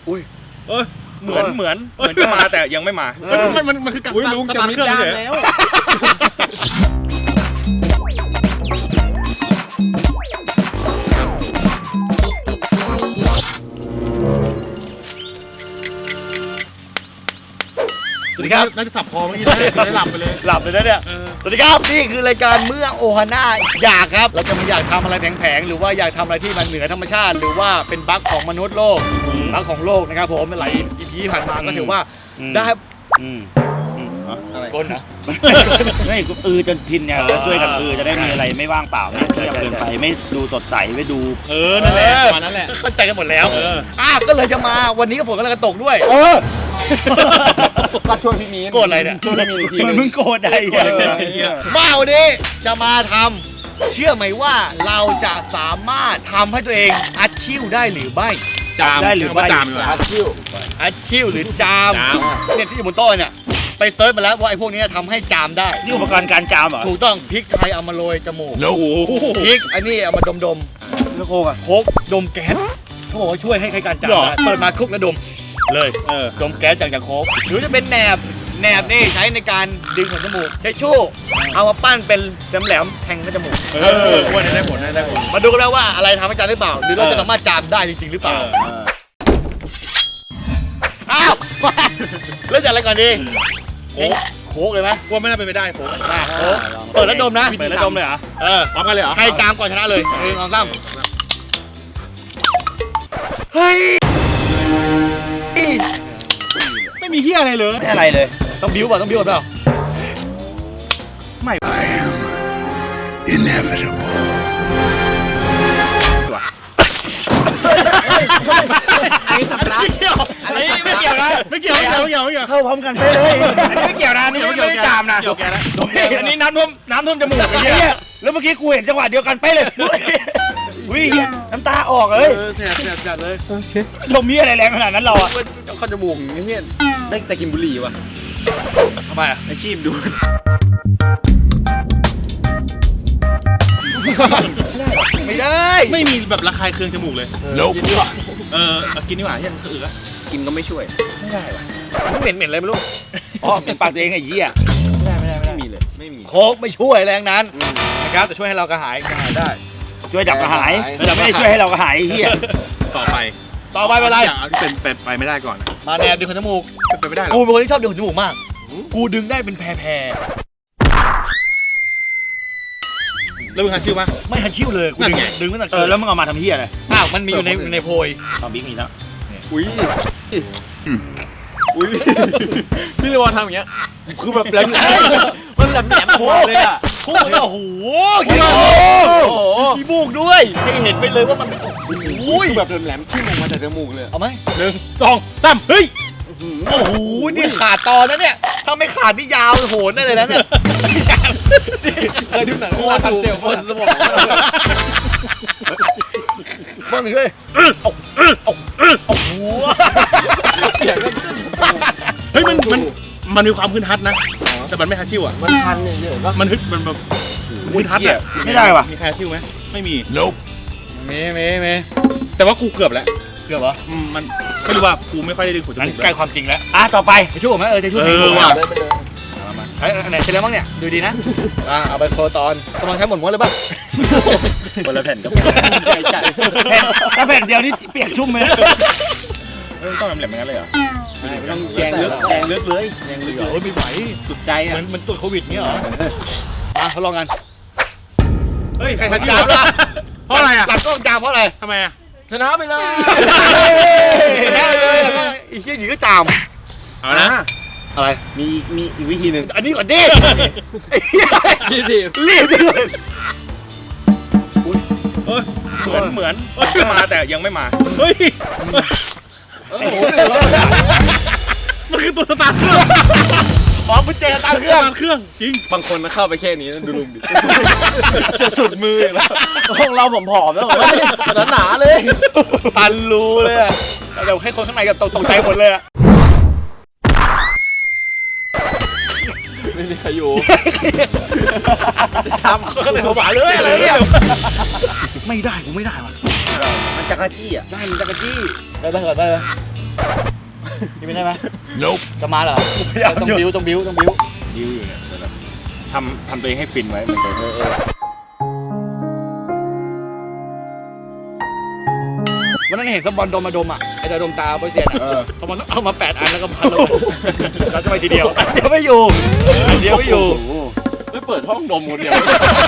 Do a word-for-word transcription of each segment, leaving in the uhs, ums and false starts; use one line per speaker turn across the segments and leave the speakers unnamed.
อุ้ย
เออเหมือนเหมือนเหมือนจะมาแต่ยังไม่มามันมันมันคือการสตาร์ทเครื่องแล้ว
สวัสดีครับ
น่าจะสับคอเมื่อกี้ได้หลับไปเลย
หลับเลยนะเนี่ยสวัสดีครับนี่คือรายการเมื่อโอฮาน่าอยากครับเราจะมาอยากทำอะไรแผงๆหรือว่าอยากทำอะไรที่มันเหนือธรรมชาติหรือว่าเป็นบั๊กของมนุษย์โลกบั๊กของโลกนะครับผมหลายอีพีผ่านมาก็ถือว่าได้อะไรก้นนะ
ไม่อือจนชินเนี่ยช่วยกันอือจะได้มีอะไรไม่ว่างเปล่าไม่เงียบเกินไปไม่ดูสดใสไม่ดู
เออนั่นแหละมานั่นแหละ
เข้าใจกันหมดแล้วอ่ะก็เลยจะมาวันนี้ก็ฝนกำลังจะตกด้วย
เออ
ก็ช่วยพี่มีนโกรธอะไรเนี่ยช่วยพี่มีนที
มึงโกรธได้
มาวันนี้จะมาทำเชื่อไหมว่าเราจะสามารถทำให้ตัวเองอัดชิ่วได้หรือไม่
จาม
ได้หรือไม่
จาม
อัดชิ่วอัดชิ่วหรือจามเนี่ยที่อยู่บนโต๊ะเนี่ยไปเซิร์ชมาแล้วว่าไอ้พวกนี้ทำให้จามได้
นี่อุปกรณ์การจามเหรอ
ถูกต้องพริกไทยเอามาโรยจมูกพริกอันนี้เอามาดมดม
แล้วโคกอะ
โคกดมแก๊สเขาบอกว่าช่วยให้ใครการจามได้เปิดมาคุกแล้วดมเลยเออดมแก๊สจากจากโคกหรือจะเป็นแหนบแหนบนี่ใช้ในการดึงขนจมูกใช้ชู่เอามาปั้นเป็นแหลมๆแทงขนจมูก
เออว่าได้ผลได้ผล
มาดูกันแล้วว่าอะไรทำให้จามได้เปล่าหรือเราจะสามารถจามได้จริงๆหรือเปล่าอ้าวเริ่มจากอะไรก่อนดีโค้กโค้กเลยไหม
ว่าไม่น่าเป็นไปได้โค้ก
เปิดแล้วดมนะ
เปิดแล้วดมเลยเหรอ
เออ
พร้อมกันเลยเหรอ
ใครจามก่อนชนะเลยหนึ่งสองสามเฮ้ย
ไม่มีเฮียอะไรเลย
ไม่อะไรเลย
ต้องบิ้วป่ะต้องบิ้วป่ะ
ไม่
I am inevitable
อันนี้สับร้าน
อันนี้ไม่เกี่ยวนะไม่เกี่ยวไม่เกี่ยวไม่เกี่ยวไม่เกี่ยว
เข้าพร้อมกันไปเลย
อันนี้ไม่เกี่ยวนะนี่ไม่ได้จามนะอันนี้น้ำท่วมน้ำท่วมจมูกไอ้เหี้ย
แล้วเมื่อกี้กูเห็นจังหวะเดียวกันไปเลยวิ่งน้ำตาออกเลย
แสบแสบแสบเลย
เรามีอะไรแรงขนาดนั้นเราอะ
เข้าจมูกอย่างเงี้ย
ได้แต่กินบุหรี่ว่ะ
ทำไมอะ
ไอชีพดู
ไม่ได้
ไม่มีแบบระคายเคืองจมูกเลย
กินดีกว่า
เออกินดีกว่าเฮียมันสะอึกอะ
กินก็ไม่ช่วย
ไม่ได้ว่ะ
มันเหม็นเหม็นอะไรไม่รู้
อ๋อเหม็นปากตัวเองไอ้เหี้ย
ไม่ได้ไม่ได้ไม่มีเลยไม่มีโค้กไม่ช่วยแรงนั้นนะครับแต่ช่วยให้เรากระหายกระหายได้
ช่วยดับกระหายแต่ไม่ได้ช่วยให้เรากระหายไอ้เหี้ย
ต่อไป
ต่อไปเป็นไร
อย่างที่เป็นเป็นไปไม่ได้ก่อน
มาแนวดึงขนจมูก
เป็นไปไม่ได้
กูเป็นคนที่ชอบดึงขนจมูกมากกูดึงได้เป็นแพรแพร
แล้วมึงหันชิวมั้ย
ไม่หันชิวเลยกูดึงดึงตั้งแต่
เออแล้วมึงเอามาทำเหี้ยอะไร
อ้าวมันมีอยู่ในในโพย
ตอนบิ๊กมีแล้ว
อุ้ย
อุ้ยพี่เลวอนทำอย่างเงี้ย
คือแบบแหลมมันแหลมแหลมโผล่เลยอ่ะโอ้โหขี้มูกด้วยให้เห็นไปเลยว่ามันโอ้ย
แบบแหลมที่มันมาจากจมูกเลย
เอาไหม
หนึ่งสองสามเฮ้ย
โอ้โหนี่ขาดตอนนะเนี่ยถ้าไม่ขาดนี่ยาวโหนได้เลยนะเนี่ย
เคยดูหนังโคตรเซลล์สมอง
บ้างหนึ่งด้วยโอ้โห
เฮ้ยมันมันมันมีความพื้นทัดนะแต่มันไม่ฮัตชิวอ่ะ
มันทันเนี่ยเยอะปะ
มันฮึดมันแบบพื้นทัดอ่ะ
ไม่ได้ว่ะ
มีใครฮัตชิวไหมไม่มี
ลบ
มีมีมี
แต่ว่ากูเกือบแล้ว
เกือบเหรอ
มันไม่รู้ว่ากูไม่ค่อยได้ดึงขนจมูก
ใกล้ความจริงแล้ว
อ่ะต่อไป
จะช่วยผมไหมเออจะช่วยผม
ว่ะ
ใช้อันไหนใช้แล้วบ้างเนี่ยดูดีนะอ่าเอาไปโคตอนกำลังใช้หมดม้วนเลยป่ะ
คนละแผ่นกับถ้าแผ่นเดียวนี่เปียกชุ่มเลย
ต้องแหลมๆอย่างนั้นเลยเหรอ
ไม่ต้องแยงลึกแยงลึกเลยแยงลึกโอ้ยไม่ไหวสุดใจอ่ะเหมือนมันตรวจโควิดเนี่ยเหรออ่ะทดลองกัน
เฮ้ยใครทันจามล่ะเพราะอะไรอ่ะ
หลังกล้องจามเพราะอะไร
ทำไมอ่ะ
ชนะไปเลยชนะเลยแล้วก็อีกทีหนึ่งก็จาม
เอานะ
อะไร
มีมีอีกวิธีหนึ่ง
อันนี้ก่อนดิรีบรีบรีบด้วย
เหมือนเหมือนจะมาแต่ยังไม่มาเฮ้ย
โอ้โห
มันคือตัวสตาร์ทเครื่อง
อ๋อมันเจสตาร์ทเครื่อง
เครื่องจริง
บางคนมาเข้าไปแค่นี้ดูลุงดิจะสุดมือแล้วห้องเราผอมๆแล้วหนาๆเลยตันรูเลยอะแต่ให้คนข้างในกับตกใจหมดเลยอะไม่มีใครอยู่จะทำเขาเลยหัวหวานเลยอะไรเนี่ยไม่ได้ผมไม่ได้ว่ะ
มันจักรจี้อ่ะ
ได้มันจักรจี้ได้ได้ก่อนได้เลยกินไม่ได้ไหม
Nope.
จะมาเหรอต้องบิ้วต้องบิ้วต้องบิ้ว
ยื้ออยู่เนี่ยทำทำตัวเองให้ฟินไว้มันจะเออเออ
วันนั้นเห็นสปอนดมมาดมอ่ะไอ้ดมตาโปรเซียนอ่ะสปอนเอามาแปดอันแล้วก็พันลงเราจะไปทีเดียวอันเดียวไม่อยู่อันเดียวไม่อยู่
ไม่เปิดห้องดมคนเดียว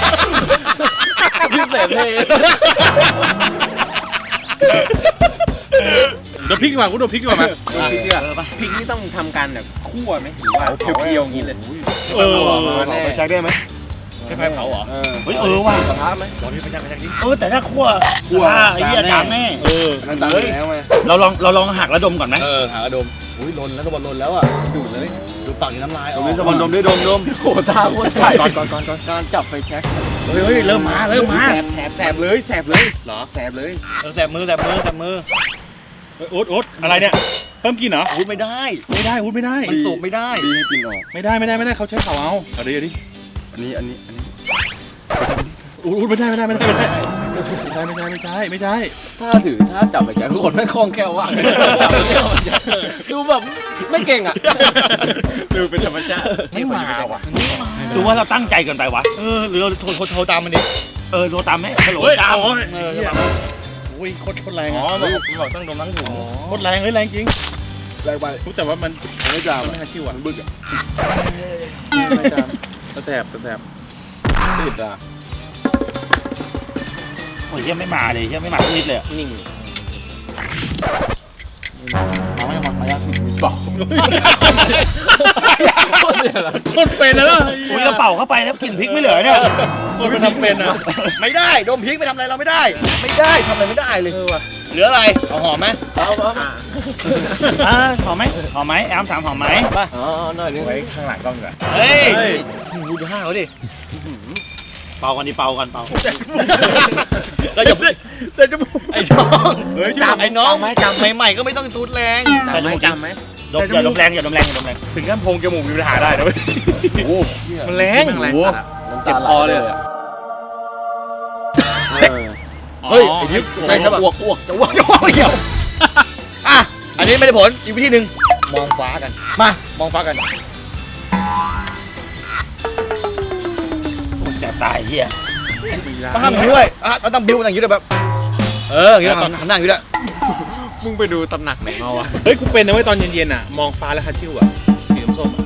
พิเศษเลยเดี๋ยวพริกดีกว่ากูเดี๋ยวพริกดีกว่ามา
พริกเนี่ยพริกนี่ต้องทำการแบบคั่วไหมหรือว่าเพียวๆอย่างนี้เลย
เออ
ไปใช้ได้ไหม
ใช่ไฟเผาเหรอ
เฮ้ยเออว่ะ
กระทะไหม
ลองที่ไปจังไปจังดิ
เออแต่ถ้าคั่วคั่วไอ้เหี้ยจามแน่
เออ
นั่นตามแล้วไง
เราลองเราลองหักแล้วดมก่อนไหม
เออหากระดมอุ้ยลนแล้วสปอนลนแล้วอ่ะ
ดูดเลย
ดูปากนี่น้ำลาย
ตรงนี้สมอนดมด้วยดมดม
โอ้ตาโคตรใหญ่ก่อนก่อนก่อนก่อนการจับไฟแช็ค
เฮ้ยเฮ้ยเริ่มมาเริ่มมา
แสบแสบแสบเลยแสบเลยเหรอแสบเลย
เออแสบมือแสบมือแสบมือ
โอ๊ตโอ๊ตอะไรเนี่ยเพิ่มกินเหรอ
อุ้ยไม่ได้
ไม่ได้อุ๊ดไม่ได้
มันสูบไม่ได้
ดีให้กินออก
ไม่ได้ไม่ได้ไม่ได้เขาใช้เผาเอาเอาดิเอาดิ
อันนี้อันนี้อันนี้
อุ๊ดอุ๊ดไม่ได้ไม่ได้ไม่ได้ไม่ได้ไม่ใช่ไม่ใช่ไม่ใช่ไม่ใช่
ถ้าถือถ้าจับไปแกทุกคนไม่คล่องแคล่วว่ากดูแบบไม่เก่งอ่ะ
ดูเป็นธรรมชาติ
ไม่มาว่ะ
หรือว่าเราตั้งใจเกินไปวะ
เออหรือเราโทรโทรโทรตามมันดิ
เออโทรตามไหมฮัลโหล
เฮ้ย
ตาม
โอ้ย
เออจะมาอุ้ยโคตรโคตรแรง
อ๋อ
อ่ะ
บอกบอกต้องดมทั้งถุงโคตรแรงเฮ้ยแรงจริง
แรงไป
รู้แต่ว่ามัน
ไม่จาม
มันไม่ฮัชิวอ่ะ
มันบึกอ่ะ
ไม่จามกระแสบกระแสบติดอ่ะ
โอ้ยเหี้ยไม่มาเลยเหี้ยไม่มาสักนิดเลยอะ
นิ่ง
มาไม่มามายัง
บอกคนเป็นแล้ว
อุ้ยกระเป๋าเข้าไปแล้วกลิ่นพริกไม่เหลือเนี่ย
คนเป็นทำเป็นอ่ะ
ไม่ได้ดมพริกไปทำอะไรเราไม่ได้ ไม่ได้ทำอะไรไม่ได้เลย
เออว่ะ
เหลืออะไรเอาหอมไหม
เอาเอา
อ่าหอมไหมหอมไหมแอมถามหอมไหม
ไป
อ๋อหน่อยนึง
ไว้ข้างหลังกล้องดีกว่า
เฮ้ย
เฮ้ย
ดูดูห้าเขาดิ
เป่ากันดิเป่ากันเป่า
เราอย่า
เสร็จจมูก
ไอ้น้อง
เฮ้ย
จำไอ้น้องจำใหม่ๆก็ไม่ต้องซูดแรง
จำไหมจำไหม
ดมอย่าดมแรงอย่าดมแรงอย่าดมแรง
ถึงขั้นโพรงจมูกมีปัญหาได้นะเว้ย
โอ้
มันแรง
แรงสัตว์เจ็บคอเลย
เฮ้ยไอ้ทิพย์ใช่จะแบบอ้วกอ้วกจะอ้วกจะอ้วกเกี่ยวอ่ะอันนี้ไม่ได้ผลอีกวิธีหนึ่งมองฟ้ากันมามองฟ้ากัน
โอ้ยแสบตายเหี้ย
ต้องทำอย่างนี้ด้วยอ่ะเราต้องบิ้วอย่างนี้ด้วยแบบเอออย่างนี้ตอนนั่งอยู่ด้วย
มึงไปดูตำหนักไหนมาวะ
เฮ้ยกูเป็นนะเว้ยตอนเย็นๆอ่ะมองฟ้าแล้วฮัชิวอ่ะสีส้ม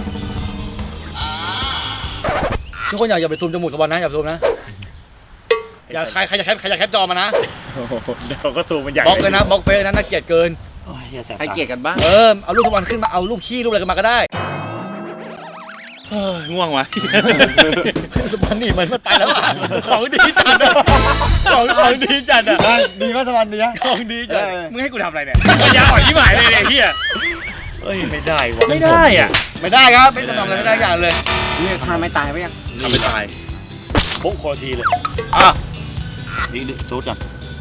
ทุกคนอย่าอย่าไปซูมจมูกสปอนนะอย่าซูมนะอย่าใครใครจะแคปใครจะแคปจอมานะ
เดี๋ยวก็ซูมมันใหญ่
บล็อกเลยนะบล็อกเฟซนะน่าเกลียดเกิน
โอ้ยเหี้ยแสบ
ให้
ตา
เกียรติกันบ้าง
เออเอารูปสปอนขึ้นมาเอารูปขี้รูปอะไรกันมาก็ได้
เฮ้ยง่วงว่ะ
สปอนนี่มันไปแล้วอ่ะของดีจัดอะของของดีจัดอะ
ดีมากสวรรค์ดีนะ
ของดีจัด
มึงให้กูทำอะไรเนี่ยยาอ่อยยี่หมายเลยเนี่ยเฮีย
เฮ้ยไม่ได้วะ
ไม่ได้อ่ะ
ไม่ได้ครับไม่ทำอะไรไม่ได้อย่างเลย
นี่ทาไม่ตายไปยัง
ทำไม่ตาย
ปุ๊บโคตรทีเลย
อ่ะ
นี่ดิซูดก่อน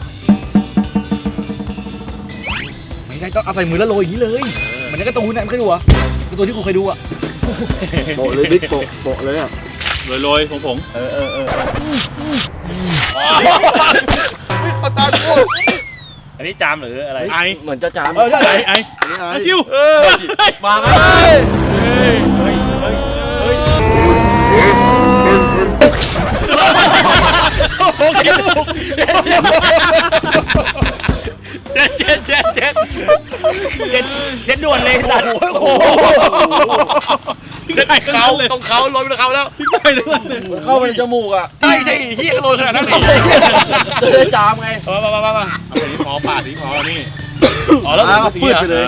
ไม่ได้ต้องเอาใส่มือแล้วโรยอย่างนี้เลยเหมือนในการ์ตูนนะไม่เคยดูอ่ะการ์ตูนที่กูเคยดูอ่ะ
โปะเลยบิ๊กโปะโปะเลยอ่ะ
โรยๆผงผง
เออเออเออ
เอาตาดู
อันนี้จามหรืออะไร
ไอ
เหมือนจะจาม
เออใช่
ไอไอ
อันนี้ไอ้
ชิว
เออ
มาไหม
โอเคเช็ดเช็ดเช็ดเช็ดเช็ด
เช็ดเช็ดด่วนเลยสัตว์
โอ้โหเช็ดเขาตรงเขาโรยไปตรงเขาแล้ว
พี่ไก่ด้วย
มันเข้าไปในจมูกอ่ะ
ใช่ใช่เฮียโรยขนาดนั้นเลย
จะได้จามไง
มามามามา
เอาไปที่พอปาดที่พอนี่
อ๋อแล้ว
อ้าวปืดไปเลย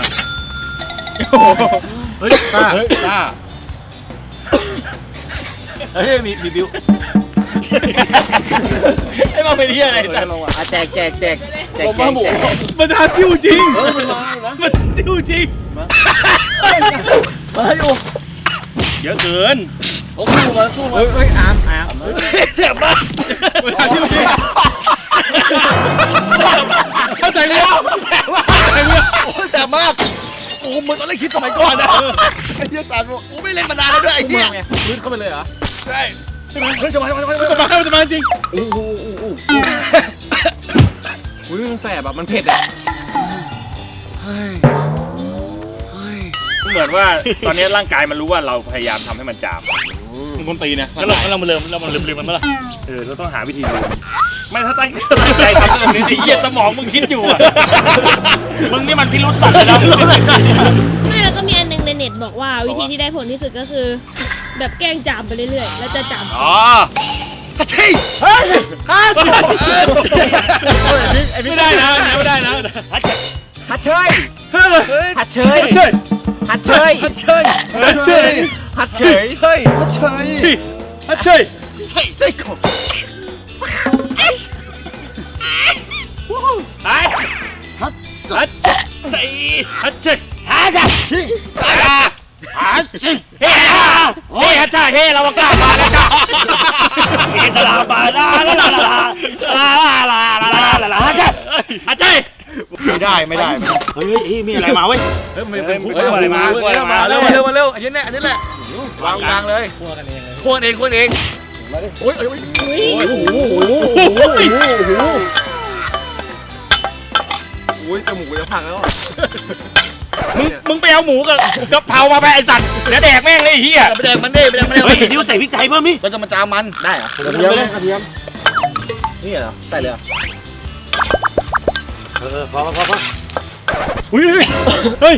เฮ้ยซ่า
เฮ้ยซ่า
เฮ้ยมีมีบิว
ไอ้มาเป็นเฮียอะไร
เอ
แต่
อลงอ่ะ
อ่ะแจกแจกแจกแจกผมแจว่าก หมูแจก
มันทาชิวจริง
เออมันมาอยู่นะ
มันชิวจริง
มาอยู่
เยอะเกิน
โอ้สู้มาสู้มา
เฮ้ยเฮ้ยอาร์มอาร์ม
เสียบมาก
มันทาชิวจริง
เข้าใจเลยแต่ว่าโอ้แสบมากโอ้เหมือนตอนเล่นคลิปสมัยก่อนนะไอ้เฮียสารบอกกูไม่เล่นมานานแล้วด้วยไอ้เฮีย
พื้นเข้าไปเลยเหรอ
ใช่เฮ้ยจะมาจะมาจะมา
จะมาจะมาจริง
อู้หูอู้หูอุ้ยมันแสบอ่ะมันเผ็ดอ่ะ
เหมือนว่าตอนนี้ร่างกายมันรู้ว่าเราพยายามทำให้มันจาม
มึงคนตีนะ
แล้วเราเรามาเริ่มเรามาลืมลืมมันเมื่อไหร่
เออเราต้องหาวิธีดูไม่ถ้าตั้งตั้งใจทำเรื่องนี้ไอ้เหี้ยสมองมึงคิดอยู่อ่ะ
มึงนี่มันพิรุษตัดเลยนะ
ไม่แล้วก็มีอันหนึงในเน็ตบอกว่าวิธีที่ได้ผลที่สุดก็คือ แบบแกล้งจามไปเรื่อยๆ แล้วจะจาม
อ๋อฮัทชิฮัทฮัทไม่ได้นะไม่ได้นะ
ฮัทเชยฮัทเชยฮัทเชย
ฮัทเชย
ฮัทเชยฮัทเชย
เชยฮัทเชย
ฮัทเชย
ใช่ของ
ฮัท
ฮัท
ฮัทใส่ฮัทเชย
หาจ้ะ
ชิ
หาสิเฮ้เฮ้ฮัชชาเฮ้เรากล้ามาแล้วจ้ะเฮสลาบาลาลาลาลาลาลาลาลาลาลาฮัชชาฮัชชา
ไม่ได้ไม่ได้ไม่ได้
เฮ้ยเฮ้ยมีอะไรมาเว้ย
เฮ้ยมันเป็นคุกอะไรมาคุกอะไรมา
มาเร็วมาเร็วมาเร็วอันนี้แหละอันนี้แหละวางกลางเลยคั่วกันเองคั่วเองคั่วเองโอ้ยโอ้ย
อุ้ย
โอ้โหโอ้โหโอ้โหโอ้โห
อุ้ยจมูกจะพังแล้ว
มึงมึงไปเอาหมูกับกะเพรามาไปไอ้สัตว์เดี๋ยวแดกแม่งเลยไอ้เหี้ย
ไปแดงมันดิไปแดงมันดิ
เฮ้ยนิ้วใส่พริกไทยเพิ่มดิ
เราจะมาจามมันได้เหรอก
ระเทียมกระเทียมนี่เหรอใส่เลยเหรอ
เออพอพอพอพอ
อุ้ย
เฮ้ย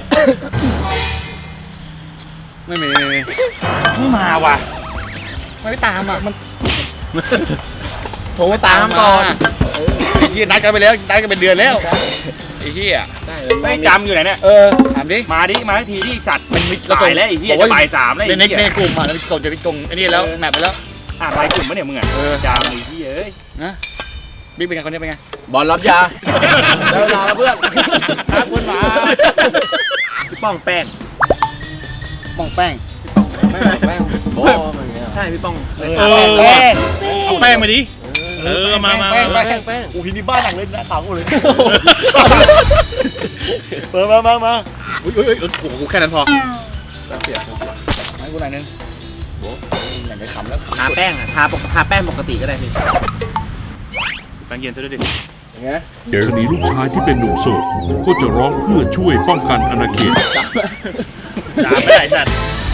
ไม่มี
ไม่มาว่ะ
ไม่ตามอ่ะมัน
โทรไปตามก่อน
ไอ้เหี้ยนัดกันไปแล้วนัดกันเป็นเดือนแล้วไอ้เหี้ย
ไม่จำอยู่ไหนเนี่ย
เออถามดิ
มาดิมาทีที่สัตว์
มันมี
ตายแล้วไอ้เหี้ยจะบ่ายสามแล้ว
ใน
ไอ้
ใน
เหี้ย
ในกลุ่มอ่ะในกลุ่มจะไปกลุ่มไอ้นี่แล้วแมปไปแล้ว
อ่ะรายกลุ่มปะเนี่ยมึงอ่ะ
เออ
จามไอ้เหี้ยเอ้ย
นะบิ๊กเป็นไงคนนี้เป็นไง
บอลรับยาได้เวลาแล้วเพื่อน
ครับคุณหมา
พี่ป้องแป้ง
ป้องแป้ง
แม่งแม่งโอ้มันเงี้ย
ใช่พี่ป้อง
เออ
แป้ง
เอาแป้งมาดิเออมามา
แป้ง
มา
แป้งแป้งโอ้โหนี่บ้านหนังเลยนะขาวเลยเปิดมามามา
อุ้ยอุ้ยอุ้ยโอ้โหแค่นั้นพอ
เปียกให้กูหน่อยนึงโอ้อยากจะขำแล้ว
ทาแป้งอ่ะทาปกทาแป้งปกติก็ได้พี่
แป้งเย็นซะด้วยดิ
อย่างเงี้ย
เดี๋ยวนี้ลูกชายที่เป็นหนุ่มโสดก็จะร้องเพื่อช่วยป้องกันอาณาเขต
จามไม่ได้สัตว์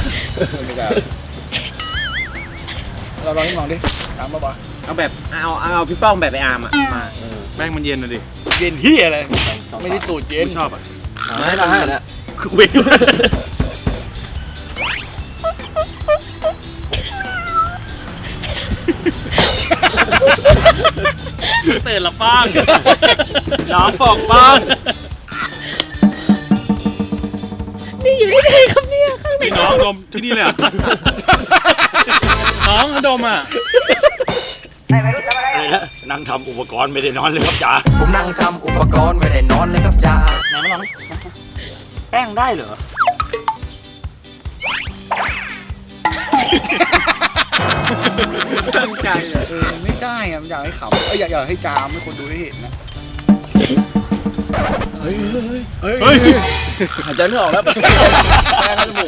เราลองนี่มองดิตามมาบ่
เอาแบบเอาเอาเอาพี่ป้องแบบไปอาร์มอ่ะมา
แป้งมันเย็นนะดิ
เย็นที่อะไรไม่ได้สูตรเย็น
ไม่ชอบอ่ะ
ไม่ได้นะ
คือเว้ยตื่นละป้างน้องบอกป้าง
นี่อยู่ที่ไหนครับเนี่ยข้างใน
นี่น้องดมที่นี่เลยเหรอน้องดมอ่ะ
อะไรนะนั่งทำอุปกรณ์ไม่ได้นอนเลยครับจ๋า
ผมนั่งทำอุปกรณ์ไม่ได้นอนเลยครับจ้า
ไหนมาลองดิแป้งได้เหรอ
ตั้งใจเลย
เออไม่ได้อะอยากให้ขำเอออยากอยากให้จามให้คนดูได้เห็นนะเฮ้ยเฮ้ยเฮ้ย
เฮ้ย
หายใจไม่ออกแล้ว
แป้งจมูก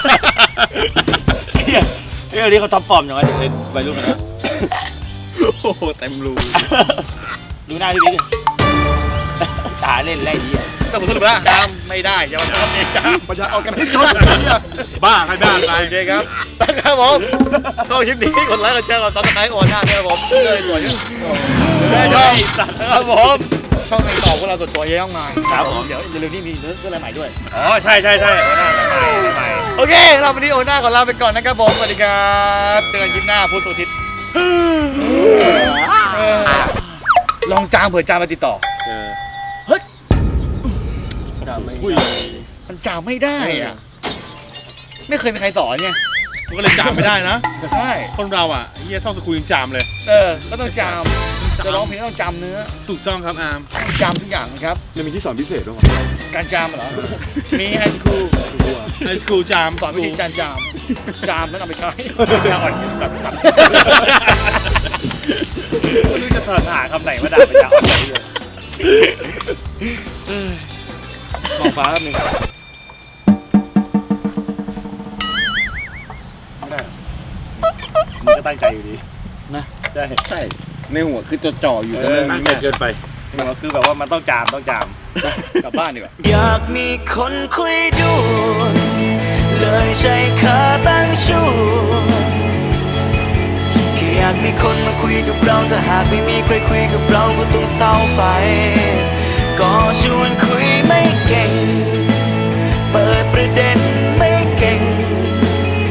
เฮ้ยเฮ้ยอันนี้เขาท็อปฟอร์มอย่างไรเด็กเล่นวัยรุ่นนะ
โอ้โหเต็มรู
ดูหน้าพี่บิ๊กตาเล่นไรดีอ่ะ
แต่ผมสรุปแล้วจามไม่ได้อย่ามาทำเองจามมันจะเอากันที่สุด
บ้าใครบ้าไป
โอเคครับนะครับผมเข้าคลิปนี้กดไลค์กดแชร์กดซับสไครต์โอนหน้าด้วยครับผมเลยสวยได้ชอบครับผมช่องในต่อพวกเราส่วนตัวเยอะมากมายครับผมเดี๋ยวเร็วๆนี้มีเรื่องอะไรใหม่ด้วย
อ๋อใช่ใช่ใช่หัวหน้าใหม่ใหม่
โอเคเราวันนี้โอนหน้าก่อนลาไปก่อนนะครับผมสวัสดีครับเจอกันคลิปหน้าพุธสุทิศลองจามเผื่อจามมาติดต่อ มันจามไม่ได้อ่ะไม่เคยมีใครสอนไง
มันก็เลยจามไม่ได้นะ
ใช่
คนเราอ่ะเฮียท่องสกุลยังจามเลย
เออก็ต้องจามจะร้องเพลงก็ต้องจำเนื้อ
ถูกต้องครับอาร์ม
ต้องจำทุกอย่างนะครับ
ยังมีที่สอนพิเศษด้วย
การจามเหรอมีไฮสคูล
ไอสคูลจาม
สอนวิธีการจามจามแล้วนำไปใช้จามอ่อนแบบแบบ
ไม่รู้จะสรรหาคำไหนมาด่าไปด่าอ่อนเลย
มองฟ้าแป๊บนึง
มึงก็ตั้งใจอยู่ดี
นะ
ใช่
ใช่ในหัวคือจ่อๆอยู่แต่เรื่อง
ตั้ง
นี้
ใจ
เนี่ย
เกินไป
คือแบบว่ามันต้องจามต้องจาม
กลับบ้านดีกว่า
อยากมีคนคุยด้วยเลยใช้ขาตั้งชูแค่อยากมีคนมาคุยกับเราถ้าหากไม่มีใครคุยกับเราก็ต้องเศร้าไปก็ชวน